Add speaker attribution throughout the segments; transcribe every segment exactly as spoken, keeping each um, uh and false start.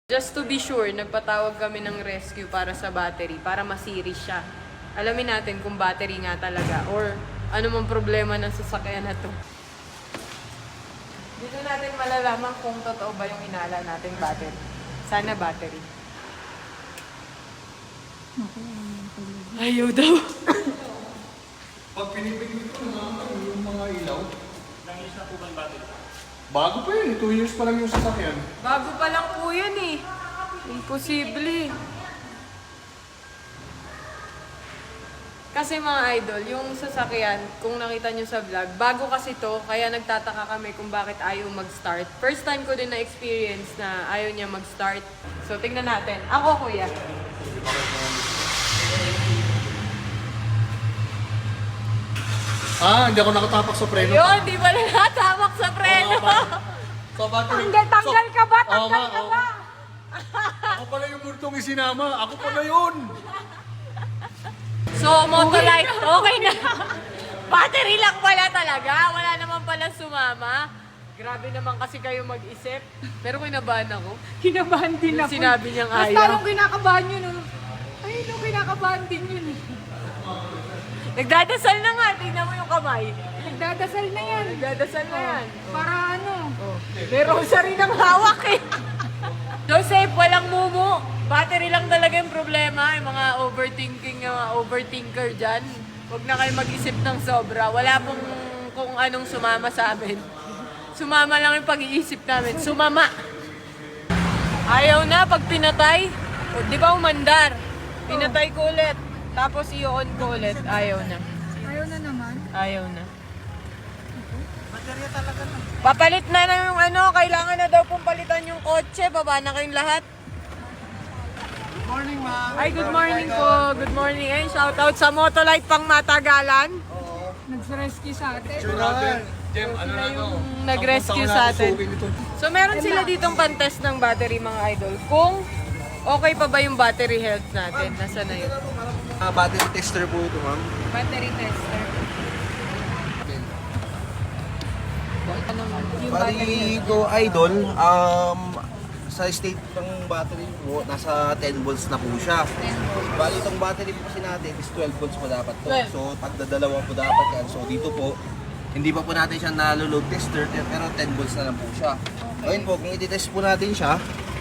Speaker 1: Just to be sure, nagpatawag kami ng rescue para sa battery, para ma-series siya. Alamin natin kung battery nga talaga or ano mang problema ng sasakyan na to. Dito natin malalaman kung totoo ba yung inala nating battery. Sana battery. Ayaw daw.
Speaker 2: Pag pinipigil ko naman yung mga ilaw, ilang years na po ba battery? Bago pa yun, two years pa lang yung sasakyan.
Speaker 1: Bago pa lang po yan eh. Imposible. Kasi mga idol, yung sasakyan, kung nakita nyo sa vlog, bago kasi to, kaya nagtataka kami kung bakit ayaw mag-start. First time ko din na-experience na ayaw niya mag-start. So, tingnan natin. Ako, kuya.
Speaker 2: Ah, hindi ako nakatapak sa preno.
Speaker 1: Yun, di ba natamak sa preno?
Speaker 2: So, battery.
Speaker 3: Tanggal, tanggal ka ba?
Speaker 2: Oo nga,
Speaker 3: Tanggal ka
Speaker 2: oo.
Speaker 3: ba?
Speaker 2: Ako pala yung multong isinama. Ako pala yun.
Speaker 1: So, Motolite, okay na. Battery lang pala talaga. Wala naman pala sumama. Grabe naman kasi kayo mag-isip. Pero kinabahan ako.
Speaker 3: Kinabahan din
Speaker 1: Yung
Speaker 3: ako.
Speaker 1: sinabi niyang
Speaker 3: Mas
Speaker 1: ayaw.
Speaker 3: parang kinakabahan yun. Oh. Ay, no, kinakabahan din yun. eh.
Speaker 1: Nagdadasal na nga. Tingnan mo yung kamay.
Speaker 3: Nagdadasal na yan.
Speaker 1: Nagdadasal na yan.
Speaker 3: Para ano?
Speaker 1: May rosary ng hawak eh. Joseph, walang mumu. Battery lang talaga yung problema. Yung mga overthinking, yung mga overthinker dyan. Huwag na kayo mag-isip ng sobra. Wala pong kung anong sumama sa amin. Sumama lang yung pag-iisip namin. Sumama. Ayaw na pag pinatay. O, di ba umandar? Pinatay ko ulit. Tapos i-on ko ulit. Ayaw na.
Speaker 3: Ayaw na naman.
Speaker 1: Ayaw na. Baterya talaga na. Papalit na na yung ano, kailangan na daw pong palitan yung kotse. Baba na kayong lahat.
Speaker 2: Good morning, ma'am.
Speaker 1: Ay, good morning po. Good morning. Ayun, shoutout sa Motolite pang Matagalan.
Speaker 3: Nag-rescue sa atin.
Speaker 2: Sure, Jem, ano na to?
Speaker 1: yung nag-rescue sa atin. So, meron sila ditong pantest ng battery, mga idol. Kung okay pa ba yung battery health natin. Nasa na yun?
Speaker 4: Uh, battery tester po ito, ma'am.
Speaker 1: Battery tester. Anong yung battery
Speaker 4: Bali,
Speaker 1: health?
Speaker 4: Go Idol, um, sa state ng battery po, nasa ten volts na po siya.
Speaker 1: ten volts.
Speaker 4: Bali, itong battery po kasi natin is twelve volts po dapat to.
Speaker 1: twelve.
Speaker 4: So, pagdadalawa po dapat yan. So, dito po, hindi pa po natin siya nalo-load tester, pero ten volts na lang po siya. Ngayon po, kung i-test po natin siya,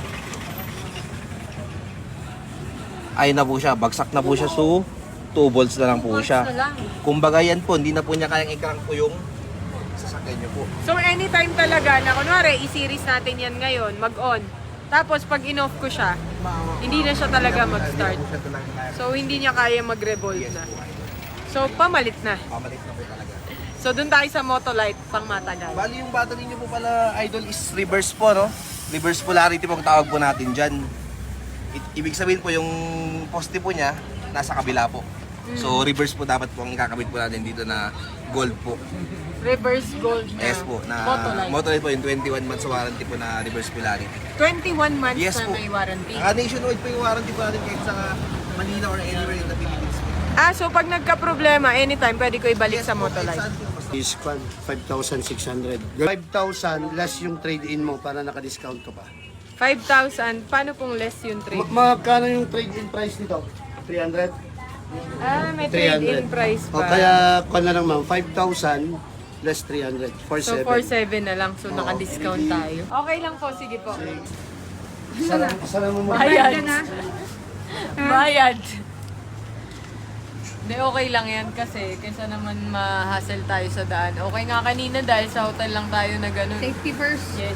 Speaker 4: ayun na po siya, bagsak na po siya, so two volts na lang po
Speaker 1: Volts
Speaker 4: siya.
Speaker 1: na lang.
Speaker 4: Kumbaga yan po, hindi na po niya kayang i-crank po yung sasakyan niyo po.
Speaker 1: So anytime talaga na kunwari i-series natin yan ngayon, mag-on. Tapos pag in-off ko siya, hindi na siya talaga mag-start.
Speaker 4: Hindi na po siya talaga kaya.
Speaker 1: So hindi niya kaya mag-revolve
Speaker 4: Yes
Speaker 1: na.
Speaker 4: po, Idol.
Speaker 1: So pamalit na.
Speaker 4: Pamalit na po talaga.
Speaker 1: So dun tayo sa Motolite pang matagal.
Speaker 4: Bali yung battery niyo po pala, Idol, is reverse po, no? Reverse polarity po ang tawag po natin dyan. I- ibig sabihin po yung poste po niya, nasa kabila po. So reverse po dapat po ang ikakabit po natin dito na gold po.
Speaker 1: Reverse gold na
Speaker 4: Yes po, na
Speaker 1: Motolite.
Speaker 4: Motolite po yung twenty-one months warranty po na reverse polarity.
Speaker 1: twenty-one months
Speaker 4: Yes
Speaker 1: na
Speaker 4: po.
Speaker 1: may warranty.
Speaker 4: Ah, nationwide po yung warranty po natin kahit sa Manila or anywhere in the Philippines po.
Speaker 1: Ah, so pag nagka-problema, anytime pwede ko ibalik sa
Speaker 4: po, kahit
Speaker 1: Motolite.
Speaker 4: saan po, basta-
Speaker 5: Is five thousand six hundred. five thousand less yung trade-in mo para naka-discount ka pa.
Speaker 1: five thousand, paano pong less yung trade?
Speaker 5: Ma- magkano yung trade-in price nito? three hundred?
Speaker 1: Ah, may
Speaker 5: three
Speaker 1: trade-in
Speaker 5: hundred.
Speaker 1: price
Speaker 5: O
Speaker 1: pa.
Speaker 5: kaya, kung na lang ma'am, five thousand less three hundred. four
Speaker 1: So
Speaker 5: seven.
Speaker 1: four seven na lang, so naka-discount tayo. Okay lang po, sige po.
Speaker 5: Sana, sana mo mo.
Speaker 1: Bayad.
Speaker 3: Ka na?
Speaker 1: Bayad. Hindi, okay lang yan kasi kaysa naman ma-hassle tayo sa daan. Okay nga kanina dahil sa hotel lang tayo na ganun.
Speaker 3: Safety first.
Speaker 1: Yes.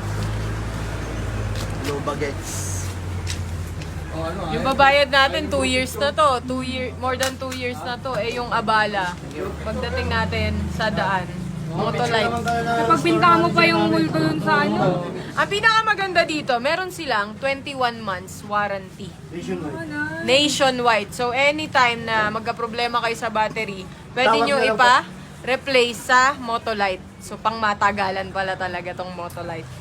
Speaker 4: low bagets.
Speaker 1: Yung babayad natin, two years na to. Two year, more than two years na to. Eh, yung abala, pagdating natin sa daan, Motolite.
Speaker 3: Kapag pinta mo pa yung multo dun sa ano.
Speaker 1: Ang pinakamaganda dito, meron silang twenty-one months warranty.
Speaker 5: Nationwide.
Speaker 1: Nationwide. So, anytime na magka-problema kayo sa battery, pwede
Speaker 5: Tawag
Speaker 1: nyo
Speaker 5: na lang
Speaker 1: ipa-replace sa Motolite. So, pang matagalan pala talaga tong Motolite.